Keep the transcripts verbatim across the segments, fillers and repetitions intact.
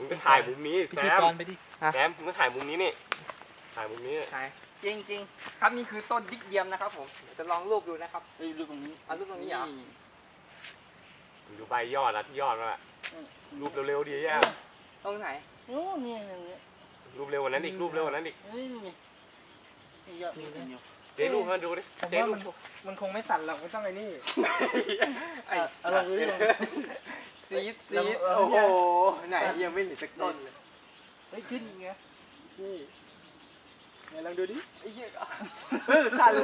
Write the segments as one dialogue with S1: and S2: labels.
S1: มึงก็ถ่ายมุมนี้
S2: พิ
S1: แซ
S2: ธี
S1: ม
S2: กรไปดิ
S1: แซมมึงก็ถ่ายมุมนี้นี่ถ่ายมุมนี้
S3: ใช่จริงจริงครับนี่คือต้นดิกเดียมนะครับผมเดี๋ยวจะลองรูปดูนะครับ
S4: เฮ้ยรูปตรงนี้
S3: เอารูปตรงนี้เหรอ
S1: มึงดูใบยอดอะที่ยอดมันอะรูปเร็วๆดีอ่ะ
S3: ตรงไหน
S4: โอ้นี่นี่
S1: รูปเร็วกว่านั้นอีกรูปเร็วกว่านั้นอีก
S4: นี่นี่นี่ยอดนี่นี่
S1: เจ๊รูปมาดูดิ
S2: ผม
S1: เจ๊
S2: ว่า
S1: รู
S2: มัน
S1: ป
S2: มันคงไม่สั่นหรอกไม่ต้องไอ้นี่
S3: ไอ้
S4: เอาลองดูดิ
S3: ซีดซีดโอ้โหไหนยังไม่เห็นสักต้นเลย
S2: เฮ้ยขึ้นไงนี่ไหนลองดูดิ
S3: ไอ้เหี้ยเออสั่นเลย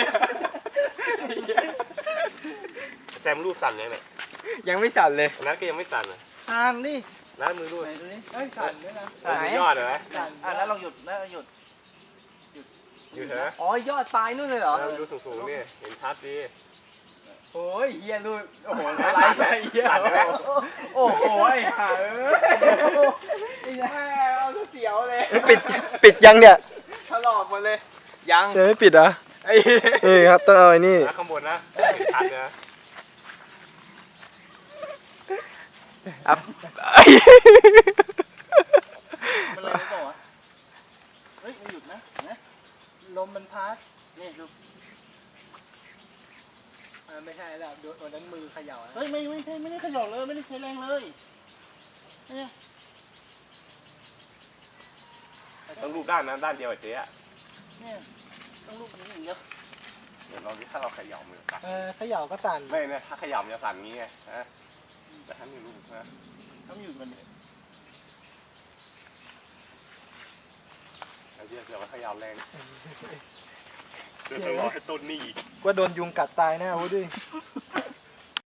S1: แซมรูปสั่นยังไง
S3: ยังไม่สั่นเลย
S1: อันนั้นก็ยังไม่สั่นอ่ะ
S4: ทานดิ
S1: แล้วมือรูป
S4: ไหนดูนี่
S2: เฮ้ยสั่นด้วยนะ
S1: เออมือยอดเหรอ
S2: สั่น
S4: อ่ะแล้วลองหยุดแล้วหยุด
S1: อยู่เถอะ
S3: อ๋อยอดปลายนู่นเลยเหรอ
S1: แล้วดูสูงๆนี่เห็นชัดดี
S3: โอ้ยเฮียรูปโอ้โหไลฟ์ใส่เฮียโอ้โหไอ้ห่าเอ้ยแม่เอาเสียวเลย
S2: ปิดปิดยังเนี่ย
S3: ถลอกหมดเลยยัง
S2: ยังไม่ปิดเหรอ
S3: ไอ้
S2: นี่ครับต้องเอาไอ้นี่
S1: นะข้างบนนะเห็นชัดนะ
S3: ครับ
S4: มันอะไรไม่บอกวะเฮ้ยมันหยุดนะนะ
S2: ลมมันพัด
S4: นี่ดู
S2: อ่าไม่ใช่แล้วโดนโดนนั้นมือเขย่านะ
S4: เฮ้ยไม่ไม่ใช่ไม่ได้ขย่อเลยไม่ได้ใช้แรงเลยเนี่ย
S1: ต้องรูปด้านนั้นด้านเดียวกับเจ๊อะ
S4: เนี่ยต้องลูกนี้อย่างเดียว
S1: เดี๋ยวเราดิถ้าเราเขย่ามือสั่น
S2: เออเขย่าก็สั่น
S1: ไม่เนี่ยถ้าเขย่ามันจะสั่นงี้ไงนะแต่ถ้ามีรูปนะ
S4: ต้องหยุดมันเนี่ย
S1: ไอ้เหี้ยเดี๋ยวมันเขย่าแรงเดี๋ยวจะรอให้ต้นนี่อีก
S2: ว่าโดนยุงกัดตายแน่โอ้ดิ